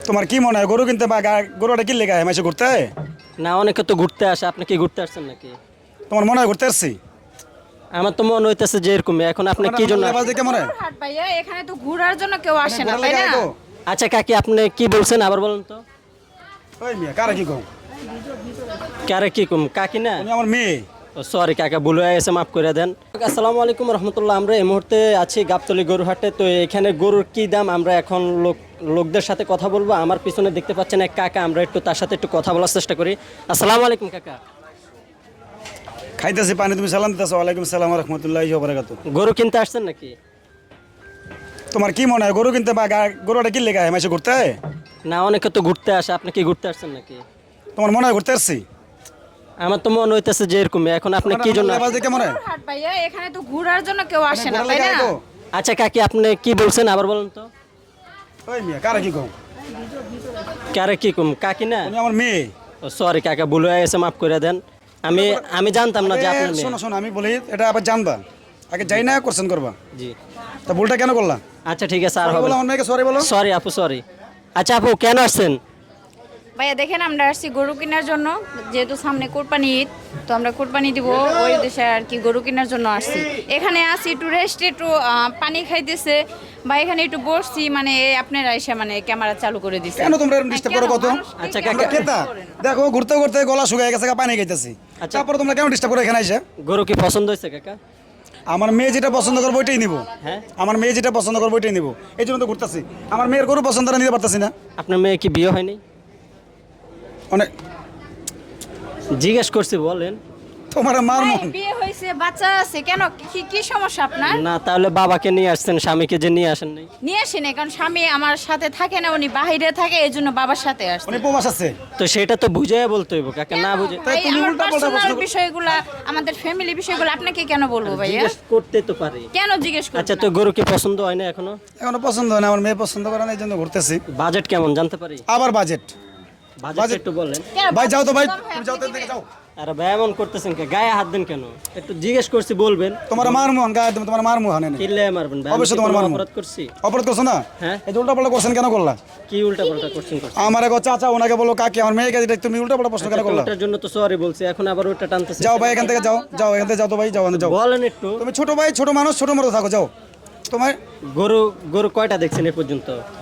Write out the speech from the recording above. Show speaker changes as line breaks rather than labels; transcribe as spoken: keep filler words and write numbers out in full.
তোমার কি মনে হয় গরু কিনতে বা গা- গরুটা কিনলে গায়ে মাসে ঘুরতে হয়?
না, অনেকে তো ঘুরতে আসে, আপনি কি ঘুরতে আসছেন নাকি?
তোমার মনে হয় ঘুরতে আসছি?
আমার তো মনে হইতেছে যে এরকমই। এখন আপনি কি জন্য
লেবাস দেখে মনে হয়?
গরুর হাট ভাইয়া, এখানে তো ঘোরার জন্য কেউ আসে না,
ঘোরা
তাই
লেগে
না?
আয় তো।
আচ্ছা কাকি, আপনি কি বলছেন আবার বলেন তো?
ওই মিয়া কারা কি কও?
কারে কি কম কাকি না?
তুমি আমার মেয়ে।
সরি কাকা, ভুল হয়ে গেছে, মাফ করে দেন। আসসালামু আলাইকুম রহমতুল্লাহ। আমরা এই মুহূর্তে আছি গাবতলী গরু হাটে। তো এখানে গরুর কি দাম আমরা এখন লোক লোকদের সাথে কথা বলবো। আমার পিছনে দেখতে পাচ্ছেন এক কাকা, আমরা একটু তার সাথে একটু কথা বলার চেষ্টা করি। আসসালামু আলাইকুম কাকা।
খাইতেছি পানি, তুমি সালাম দিতেছো। ওয়ালাইকুম সালাম রহমতুল্লাহ বারাকাতু।
গরু কিনতে আসছেন নাকি?
তোমার কি মনে হয় গরু কিনতে বা গা- গরুটা কিনলে গায়ে মাসে ঘুরতে হয়?
না, অনেকে তো ঘুরতে আসে, আপনি কি ঘুরতে আসছেন নাকি?
তোমার মনে হয় ঘুরতে আসছি?
আমার তো মনে হইতেছে যে এরকমই। এখন আপনি কি জন্য?
লেবাস দেখে মনে হয়?
গরুর হাট ভাইয়া, এখানে তো ঘোরার জন্য কেউ আসে না,
ঘোরা
তাই
লেগে
না?
আয় তো।
আচ্ছা কাকি, আপনি কি বলছেন আবার বলেন তো?
ওই মিয়া কারা কি কও?
কারে কি কম কাকি না?
তুমি আমার মেয়ে।
সরি কাকা, ভুল হয়ে গেছে, মাফ করে দেন। আমি আমি জানতাম না যে
আগে
আপনার
শোনো
মেয়ে।
শোনো, আমি বলি এটা আবার জানবা। আগে যাই না কোশ্চেন করবা।
জি,
তা ভুলটা কেন করলা?
আচ্ছা ঠিক আছে, আর হবে
বলো আমার মেয়েকে সরি বলো।
সরি আপু, সরি। আচ্ছা আপু, কেন আসছেন?
ভাইয়া দেখেন, আমরা আসছি গরু কেনার জন্য, যেহেতু সামনে কোরবানি ঈদ, তো আমরা কোরবানি দিব ওই দেশে আর কি, গরু কেনার জন্য আসছি। এখানে আসি একটু রেস্ট, একটু আহ, পানি খাইতেছে বা এখানে একটু বসছি, মানে এই আপনারা এসে মানে ক্যামেরা চালু করে দিচ্ছে।
কেন তোমরা এরকম disturb করো কত?
আচ্ছা,
আমরা
কাকা।
খেতা দেখো ঘুরতে ঘুরতে গলা শুকায় গেছে, পানি খাইতেছি।
আচ্ছা।
তারপরে তোমরা কেন ডিস্টার্ব করে এখানে এসে?
গরু কি পছন্দ হয়েছে কাকা?
আমার মেয়ে যেটা পছন্দ করবো ওইটাই নিবো।
হ্যাঁ,
আমার মেয়ে যেটা পছন্দ করবো ওইটাই নিবো, এই জন্য তো ঘুরতেছি। আমার মেয়ের গরু পছন্দ না নিতে পারতেছি না।
আপনার মেয়ে কি বিয়ে হয়নি?
অনেক
জিজ্ঞেস করছি, বলেন।
তোমার মার
ভাই,
মন।
বিয়ে হয়েছে, বাচ্চা আছে, কেন কি কি সমস্যা আপনার?
না, তাহলে বাবাকে নিয়ে আসছেন, স্বামীকে যে নিয়ে আসেন নাই?
নিয়ে আসেন, কারণ স্বামী আমার সাথে থাকে না, উনি বাইরে থাকে, এই জন্য বাবার সাথে আসছে।
উনি প্রবাস আছে।
তো সেটা তো বুঝে বলতে হইব কাকা, না বুঝে?
তাই
ভাই,
তুমি
আমার
উল্টাপাল্টা প্রশ্ন
পার্সোনাল
করো।
বিষয়গুলা, আমাদের ফ্যামিলি বিষয়গুলো আপনাকে কেন বলবো ভাইয়া?
জিজ্ঞেস করতে তো পারি।
কেন জিজ্ঞেস করছেন?
আচ্ছা, তো গরু কি পছন্দ হয় না এখনো?
এখনো পছন্দ হয় না, আমার মেয়ে পছন্দ করে না, এই জন্য ঘুরতেছি।
বাজেট কেমন জানতে পারি?
আবার বাজেট।
বাজেট
Budget-
একটু বলেন।
কেন
ভাই যাও তো ভাই,
কম হয়,
তুমি যাও তো
আপনি
এদিকে যাও।
আরে ভাই, এমন করতেছেন কে? গায়ে হাত দেন কেন? একটু জিজ্ঞেস করছি, বলবেন।
তোমার মার মোহন গায়ে তুমি, তোমার মার মোহন এনে
কিল্লে মারবেন ভাই? আমি
অবশ্যই
কি
তোমার
কোনো
মারবো।
অপরাধ করছি?
অপরাধ করছো না?
হ্যাঁ।
এই যে উল্টাপাল্টা কোশ্চেন কেন করলা?
কি উল্টা পাল্টা কোশ্চেন করছি?
আমার এক চাচা, ওনাকে বলো কাকি, আমার মেয়েকে যেটা তুমি উল্টাপাল্টা প্রশ্ন কেন করলা?
ওটার জন্য তো সরি বলছি, এখন আবার ওটা টানতেছে।
যাও ভাই এখান থেকে যাও, যাও এখান থেকে যাও তো ভাই, যাও এখান থেকে যাও।
বলেন একটু।
তুমি ছোট ভাই, ছোট মানুষ, ছোট মতো থাকো, যাও। তোমার
গরু গরু কয়টা দেখছেন এ পর্যন্ত?